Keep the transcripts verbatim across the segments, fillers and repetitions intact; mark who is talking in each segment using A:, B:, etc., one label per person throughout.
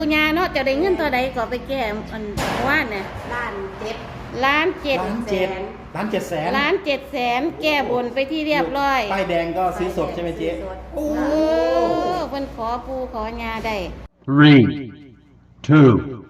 A: ปุญญาเนาะจะได้เงินตัวใดก็ไปแก้อันว่าเนี่ย
B: ล้านเจ็ด
A: ล้านเจ็ด
C: ล้านเจ็ดล้านเจ็ดแสน
A: ล้านเจ็ดแสนแก้บนไปที่เรียบร้อย
C: ป้ายแดงก็ซื้อสดใช่ไหมเจ๊
A: โอ้เพิ่นขอปูขอยาได้
D: Three, two,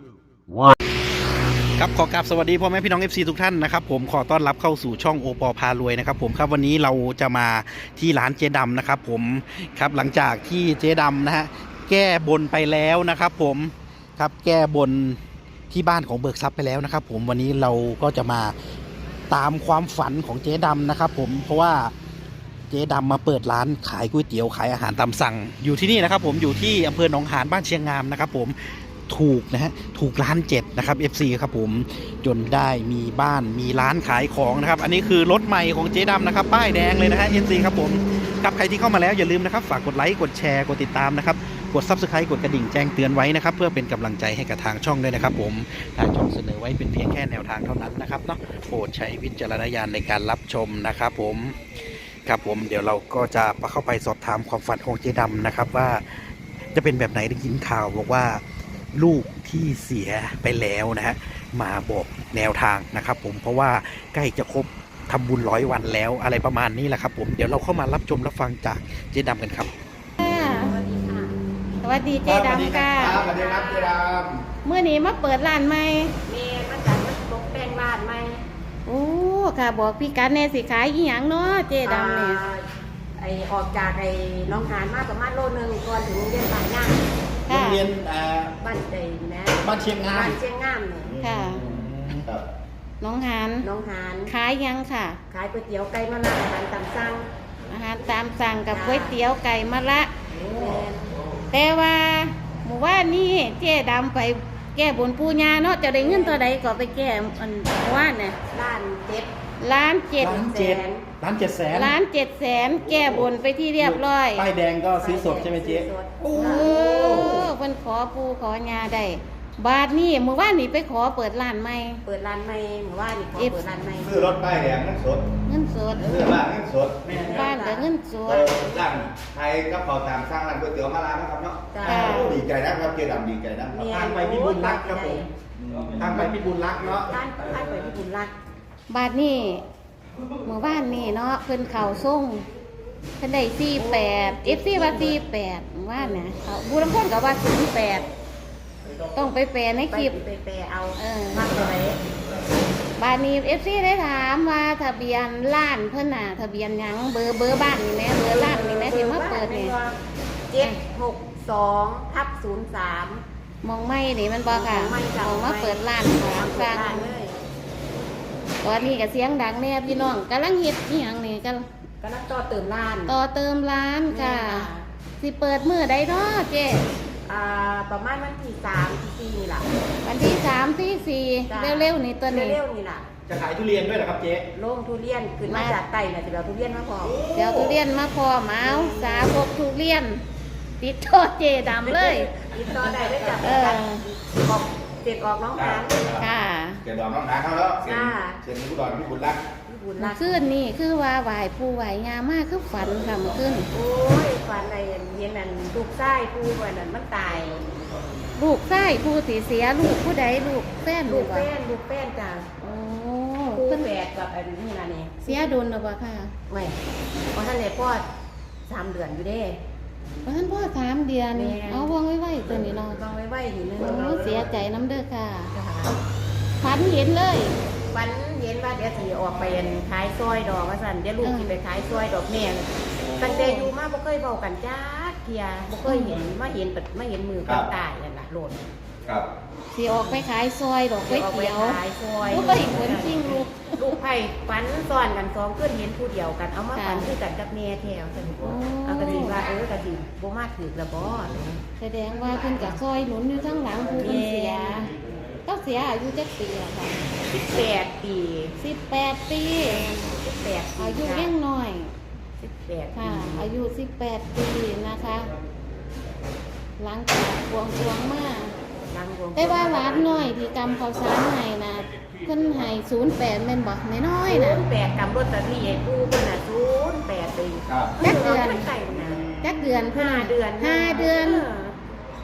D: one.
C: ครับขอกราบสวัสดีพ่อแม่พี่น้อง เอฟ ซี ทุกท่านนะครับผมขอต้อนรับเข้าสู่ช่องโอปอพารวยนะครับผมครับวันนี้เราจะมาที่ร้านเจ๊ดำนะครับผมครับหลังจากที่เจ๊ดำนะฮะแก้บนไปแล้วนะครับผมครับแก้บนที่บ้านของเบิกทรัพย์ไปแล้วนะครับผมวันนี้เราก็จะมาตามความฝันของเจ๊ดำนะครับผมเพราะว่าเจ๊ดำมาเปิดร้านขายก๋วยเตี๋ยวขายอาหารตามสั่งอยู่ที่นี่นะครับผมอยู่ที่อำเภอหนองหานบ้านเชียงงามนะครับผมถูกนะฮะถูกล้านเจ็ดนะครับ เอฟ ซี ครับผมจนได้มีบ้านมีร้านขายของนะครับอันนี้คือรถใหม่ของเจ๊ดำนะครับป้ายแดงเลยนะฮะ เอฟ ซี ครับผมกับใครที่เข้ามาแล้วอย่าลืมนะครับฝากกดไลค์กดแชร์กดติดตามนะครับกด ซับสไครบ์ กดกระดิ่งแจ้งเตือนไว้นะครับเพื่อเป็นกำลังใจให้กับทางช่องด้วยนะครับผมทางช่องเสนอไว้เป็นเพียงแค่แนวทางเท่านั้นนะครับเนาะโปรดใช้วิจารณญาณในการรับชมนะครับผมครับผมเดี๋ยวเราก็จะเข้าไปสอบถามความฝันของเจ๊ดำนะครับว่าจะเป็นแบบไหนได้ยินข่าวบอกว่าลูกที่เสียไปแล้วนะฮะมาบอกแนวทางนะครับผมเพราะว่าใกล้จะครบทำบุญร้อยวันแล้วอะไรประมาณนี้แหละครับผมเดี๋ยวเราเข้ามารับชมรับฟังจากเจ๊ดำกันครับ
B: สวัสดีค่ะ
A: สวัสดีเจ๊ดำค่ะ
C: สวัสดีครับเจ๊ด
A: เมื่อนี้มาเปิดร้านใหม่
B: เมย์มาจากมาตกแต่งบ้านไหม
A: โอ้ค่ะบอกพี่กันแน่สิขายอีหยังเนาะเจ๊ดำเนี่ย
B: อ่าไอออกจากไอ้น้องหานมาประมาณโลนึงก่อนถึงโรงเรียนบ้านย่าง
C: ำโรงเรียนอ่า
B: บ้านใจนะ
C: บ้านเชียงงา
B: บ้าม นเชียงงามเนี่ย
A: ค่ะ
C: ครับ
A: น้องหาน
B: น้องหาน
A: ขายยังค่ะ
B: ขายก๋วยเตี๋ยวไก่มะนาวอาหารตามสั่ง
A: อาหารตามสั่งกับก๋วยเตี๋ยวไก่มะละ
B: แม่น
A: แต่ว่าหมู่ว่านี่เจ๊ดำไปแก้บนปูญาเนาะจะได้เงินตัวใดก็ไปแก้อันว่าเนี่ย
B: ล้านเจ็ด
A: ล้านเจ็ด
C: ล้านเจ็ดล้านเจ็ดแสน
A: ล้านเจ็ดแสนแก้บนไปที่เรียบร้อย
C: ป้ายแดงก็ซื้อสดใช่ไหมเจ๊
B: ซื้อสด
A: โอ้เพิ่นขอปูขอยาได้บาทนี่เมื่อวานนี่ไปขอเปิดร้านใหม่
B: เปิดร้านใหม่หมู่บ้านนี่ขอเปิดร้านใหม่
E: ซื้อรถป้ายแดงเงินสด
A: เงินสด
E: ซื้อบ้านเงินสด
A: บ้านกับเงินส
E: เอ
A: ด
E: อร้านไทยก็เผาตามสร้างร้านก๋วยเตี๋ยวมาร้านนะครับเนาะ
B: จ้า
A: ค่ะ
E: โอ้ดีใจนะครับเจดำดีใจนะ
B: แม่
C: ทางไปพิบูลรักษ์ครับผมทางไปพิบูลรักษ์เนาะ
B: ร้านร้านไปที่บุญรัก
A: บาทนี่เมื่อวานนี่เนาะเพิ่นเข่าส่งเพิ่นได้สี่แปดเอฟซีว่าสี่แปดว่าเนี่ยเขาบูรังคนก็ว่าศูนย์แปดต้องไปแปลใน
B: ไป
A: คลิป
B: ไปแปลเอา
A: เออ
B: มากเลย
A: บาทนี้เอฟซีได้ถามว่าทะเบียนร้านเพิ่นน่ะทะเบียนหยังเบอร์เบอร์บ้านนี่แหม่เบอร์ร้านนี่แหม่ที่มาเปิดนี่
B: เจ็ดหกสองทับศูนย์สาม
A: มองไม่นี่มันบอกค่ะ
B: มองไม่จ้ะ
A: มองมาเปิดร้านของ
B: เปิ
A: สร้า
B: ดร้าน
A: ง
B: เลย
A: ตอนนี้ก็เสียงดังแน่พี่น้องกำลังเฮ็ดอีหยังนี่กัน
B: ก็นักต่อเติมร้าน
A: ต่อเติมร้านค่ะ
B: แม่
A: สิเปิดมื้อใดเนาะเจ๊
B: อ่าประมาณวันที่สามที่สี่นี่แหละ
A: วันที่สามที่สี่
B: จ้ะ
A: เร็วๆนี่ตัวนี้
B: เร็วๆนี่แหละ
C: จะขายทุเรียนด้วยเหรอครับเจ๊
B: โล่งทุเรียนขึ้นมาจากไต่น่ะจะเอาทุเรียนมาพอ
A: เดี๋ยวทุเรียนมาพร้อมเอาสาพกทุเรียน ติดโทษเจดำเลย
B: ติดต่อได้ได้จาก
A: เออ
B: ออกเด็กออกน้องหาน
A: ค่ะ
E: เจดำน้องหาเขาแล้วเสียน
B: จ้า
E: เสียนผู้ดอนพี่บุญรัก
B: ที่บุญ
A: เมื่
B: รั
A: อก คืนนี่คือว่าไหวผู้ไหวงามมากคือฝันค่ะเมื่อคืน
B: โอ้ยฟันอะไรเย็นนั่นลูกไส้ผู้วันนั้นมันตาย
A: ลูกไส้ผู้สีเสียลูกผู้ใดลูกแฟน
B: ลู
A: ลู
B: ก
A: ก
B: แป้
A: วะ
B: นลูกแป้นจ้ะ
A: โอ้
B: คู่
A: เพิ่น
B: แฝดกับอันนี้นะนี่
A: เสียโดนหรือเปล่าค่ะ
B: ไม่เพราะท่านเลยพ่อสามเดือนอยู่เด้
A: เพราะท่านพ่อสามเดือน
B: แม่
A: เอาวางไว้ไว้ตัวนี้เนาะ
B: ลองไว้ไว้อยู่นึง
A: โอ้เสียใจน้ำเด้อค่ะ
B: จ้ะ
A: ฝันเห็นเลย
B: วันเย็นว่าเดี๋ยวสีออกไปขายซอยดอกว่าสันเดี๋ยวลูก
A: เออ
B: สิไปขายซอยดอกแม่ตั้งแต่อยู่มาบ่เคยเบากันจ้าเทียบ่เคยเห็นมาเห็นปัดมาเห็นมือกันตายนั่นล่ะโลด
E: ครับ
A: สิออกไปขายซอยดอกก๋วย
B: ออกไป
A: เตี๋ยว
B: ขายซอย
A: ก็ไปขนจริงลูก
B: ลูกไผ่ฝันซ้อนกันสองขึ้นเห็นผู้เดียวกันเอามา
A: ค่ะ
B: ฝันคือกันกับแม่แถวจัง
A: โอ้
B: เอากระดิ่งว่าเออกระดิ่งบ่มาถือละบ่
A: แสดงว่าเพิ่นกับซอยหนุนอยู่ทั้งหลังผู้เพิ่นเสียก็เสียอายุจักปีอะค่ะ
B: สิบแปดปี
A: สิบแปดปี
B: สิบแปดปี
A: อายุยังน้อย
B: สิบแปดปี
A: ค่ะ อายุสิบแปดปีนะคะ หลังจากบวงสรวงมา
B: ดังวง
A: แต่ว่าร้านน้อยที่กำข้าวสารให้นะเพิ่นให้ศูนย์แปดแม่นบอกน้อยๆ
B: ศู
A: นะ
B: นย์แปดกำรถตะลี่ปูเพิ่นน่ะศูนย์แปดปี
E: ครับ
A: จักเดือน
B: ไม่ไก่นะ
A: จักเดือน
B: ห้าเดือน
A: ห้าเดือน
B: เออก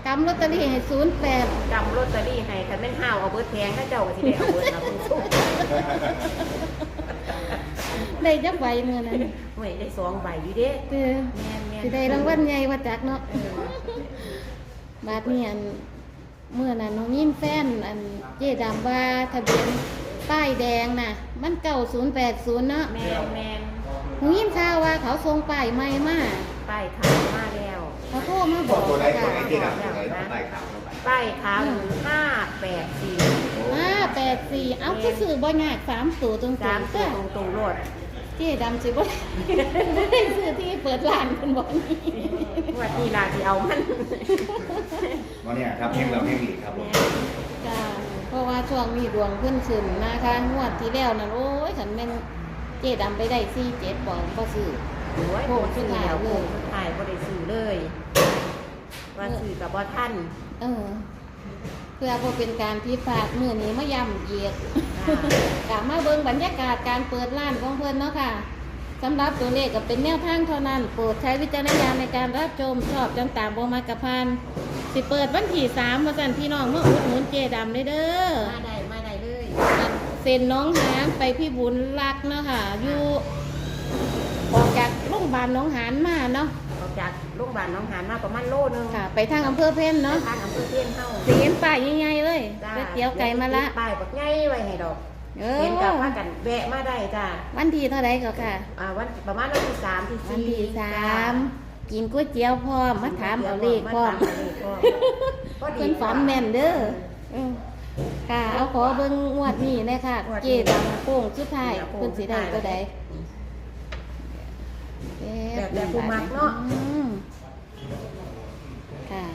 A: กำลอตเตอรี่ให้ศูนย์แปด
B: กำลอตเตอรี่ให้คันแม่นห้าวเอาเบิดแพงถ้าเจ้าก็สิได้เอาเบิดนะคุณสู้
A: ได้จักใบเมื่อนั้น
B: หวยได้สองใบอยู่เด้
A: เออ
B: แม่นแม่น
A: สิได้รางวัลใหญ่ว่าจักเนาะ
B: เออบ
A: าดนี้อันเมื่อนั้นน้องยิ้มแฟนอันเจ๊ดำว่าทะเบียนป้ายแดงน่ะ มันเก่าศูนย์แปดศูนย์เนาะ
B: แม่นแม่น
A: น้องยิ้มข่าวว่าเขาส่งป้ายใหม่มา
B: ป้ายขาวมาแล้ว
A: เขาโทรมา
E: บบ อ
A: อก ก
E: ตัวไหน
A: ค่ะ
E: ตัวไหนที่ดับตัวไหนต้องไต่ขาวลงไป
B: ป้ายขาวห้าแปดสี่
A: ห้าแปดสี่เอาคือสื่อบ่ยากสามตัวตรง
B: สาม
A: ๆ
B: ตัว
A: ก็
B: ตรงตรงๆรถ
A: เจ๊ดำสิบ่บ่ได้ซื้อที่เปิดร้านเป็นบ่นี้
B: ว่าที่ลาที่เอามัน
E: วันนี้ครับเพลงเราเพลงอีกครับผม
A: จ้าเพราะว่าช่วงนี้ดวงขึ้นขึ้นนะคะงวดที่แล้วนั่นโอ้ยฉันแม่นเจ๊ดำไปได้สี่เจ็ดบ่บ่ซื้อ
B: โอ้ย
A: โอ้
B: โอ้
A: สุ
B: สุ
A: ด
B: ด
A: ท้า
B: ท้าย ย
A: เล
B: เลย ยสุดท้ายบ่ได้ซื้อเลยว่าซื้อกับบ่ท่าน
A: เออ เพื่อบ่เป็นการผิดพลาดมื้อนี้มาย้ำเหยียด กลับมาเบิ่งบรรยากาศการเปิดร้านของเพิ่นเนาะค่ะสำหรับตัวเลขก็เป็นแนวทางเท่านั้น โปรดใช้วิจารณญาณในการรับชมชอบจังตามบ่มากระพานสิเปิดวันที่สามว่าซั่นพี่น้องมาอุดหนุนเจดํเลยเด้อ
B: มาได้มาได้เลย
A: เซ็นน้องหานไปพี่บุญรักเนาะค่ะ อยู่ออกจากโรงพยาบาลน้องหานมาเนาะ
B: ออกจากโรงพยาบาลหน้องหานมาประมาณโลนึง
A: ค่ะ ไปทางอำเภอเพ่นเนาะ
B: ทางอำเภอเทียนเฮา
A: สิเห็นป้ายใหญ่ๆเลย
B: จ้า
A: ก๋วยเตี๋ยวไก่มะละ
B: ป้ายบักใหญ่ไว้ให้ดอก
A: เอ
B: เห็นกับ
A: อ
B: ว่ากันแวะมาได้จ้า
A: วันที่เท่าไรก็ค่ะ
B: อ่าวันประมาณวันที่สามที่
A: วัน
B: สี่
A: ที่สามกินก๋วยเตี๋ยวพร้อมมาถามเอาเลขพร้อม
B: มาถามเอาเลขพร้อมพอดี
A: เพิ่นฝันแม่นเด้อเออค่ะ เอาขอเบิ่งงวดนี้เลยค่ะ เจดำโป่งสุดท้ายเพิ่นสิได้ตัวใด
B: แบบแบบผู้มักเนาะ
A: อืมค่ะ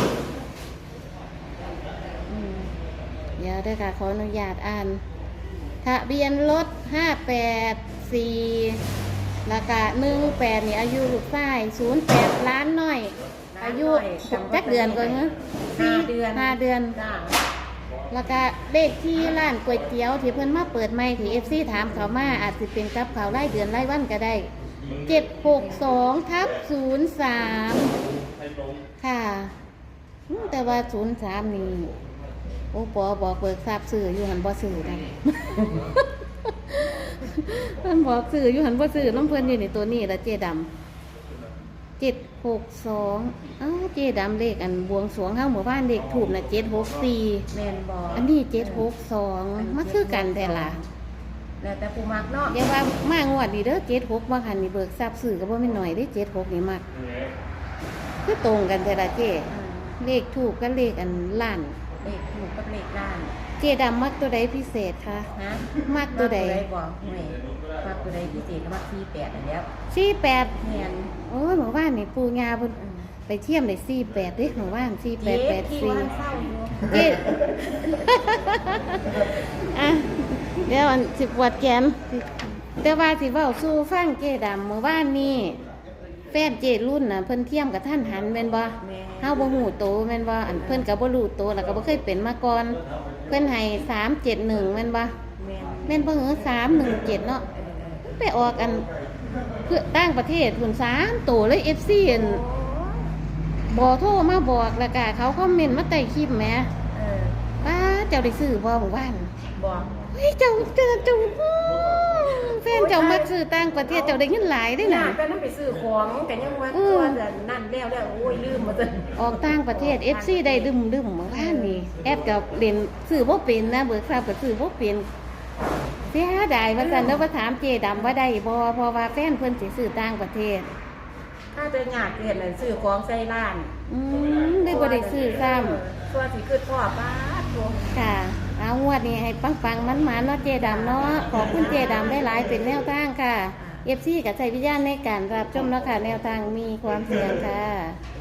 A: อืมเดี๋ยวเด้อค่ะ ขออนุญาตอ่านทะเบียนรถห้าแปดสี่ราคาหนึ่งแปดนี่อายุลูกชายศูนย์แปดล้านหน่อย อายุจักเดือนก่อนเนอะ
B: ห้าเดือน
A: ห้าเดือน
B: จ้า
A: แล้วก็เลขที่ร้านก๋วยเตี๋ยวที่เพิ่นมาเปิดใหม่ที่เอฟซีถามเขามาอาจจะเป็นกับเขาวรายเดือนรายวันก็ได้เจ็ดหกสองทับศูนย์สามค่ะอืมแต่ว่าศูนย์สามนี่โอ้ปอบอกเบิกทราบสื่ออยู่หันบ่สื่อกัน เพิ่นบอกสื่ออยู่หันบ่สื่อน้ำเพิ่นอยู่ในตัวนี้ละเจดำเจ็ดหกสองอ้าวเจดำเลขอันบวงสรวงเฮาหมู่บ้านเลขถูกนะเจ็ดหกสี่
B: แม่นบ่
A: อันนี้เจ็ดหกสองมาคือกันแต่ละ
B: แล้วแต่ผู้มักเนาะ
A: อย่าว่ามางวดดีเด้อเจ็ดหกบางหันนี่เบิกทราบสื่อก็บ่แม่นหน่อยได้เจ็ดหกนี่มากคือตรงกันแต่ละเจ
B: อืม
A: เลขถูกกับเลขอันล้าน
B: เลขถูกกับเลขล้าน
A: เจดำมักตัวใดพิเศษคะ
B: ฮะ
A: มักตัวใด
B: บ่ห่วยมักตัวใดพิเศษก็มักสี่แปดอันแล้ว
A: สี่แปด
B: แม่น
A: โอ้ยหมู่บ้านนี่ปูงาเพิ่น
B: อืม
A: ไปเที่ยมได้สี่แปดเด้หมู่บ้านสี่แป
B: เจ็
A: ด
B: ด
A: แปด
B: ที่
A: สี่
B: ว่าเศร้าอยู่
A: เจ๊ อ่ะเดี๋ยวอันสิบวัดแกนแต่ว่าสิเว้าสู้ฟังเจดำเมื่อวานนี้แฟนเจรุ่นน่ะเพิ่นเทียมกับท่านหันแม่นบ่
B: แม่
A: เฮาบ่ฮู้โตแม่นบ่อันเพิ่นก็บ่รู้โตแล้วก็บ่เคยเป็นมาก่อนเพิ่นให้สามเจ็ดหนึ่งแม่นบ่
B: แม่น
A: แม่นบ่เหรอสามหนึ่งเจ็ดเนาะ
B: เออเออ
A: ไปออกอันเพื่อต่างประเทศพุ่นสามโตเลย เอฟ ซี อันบ่โทรมาบอกแล้วก็เขาคอมเมนต์มาใต้คลิปแหม
B: เออ
A: ป้าเจ้าได้ซื้อบ่หมู่บ้าน
B: บอก
A: เฮ้ยเจ้าเจ้าเจ้าอื้อแฟนเจ้ามักซื้อต่างประเทศเจ้าได้เงินหลายได้
B: ห
A: น่ะ
B: น้าก็นั่นไปซื้อของกันยังว่า
A: อืม
B: ตัวแต่นั่นแล้วแล้วโอ้ยลืมหมดเลย
A: ออกต่างประเทศ เอฟ ซี ได้ดึมดึมเมื่อวานนี้แอดกับเล่นซื้อบ่เป็นนะเบิกทราบก็ซื้อบ่เป็นเสียดายว่าซั่นแล้วว่าถามเจดำว่าได้บ่เพราะว่าแฟนเพิ่นสิซื้อต่างประเทศ
B: ถ้าจะอยากเรียนน่ะซื้อของใส่ร้าน
A: อืมได้บ่ได้ซื้อซ้ำ
B: ตัวสิคือพ่อป้าตัว
A: ค่ะเอางวดนี้ให้ปังปังมันมันๆเนาะเจดำเนาะขอบคุณเจดำได้หลายเป็นแนวทางค่ะเอฟซีกับใจวิญญาณในการรับชมเนาะค่ะแนวทางมีความเสี่ยงค่ะ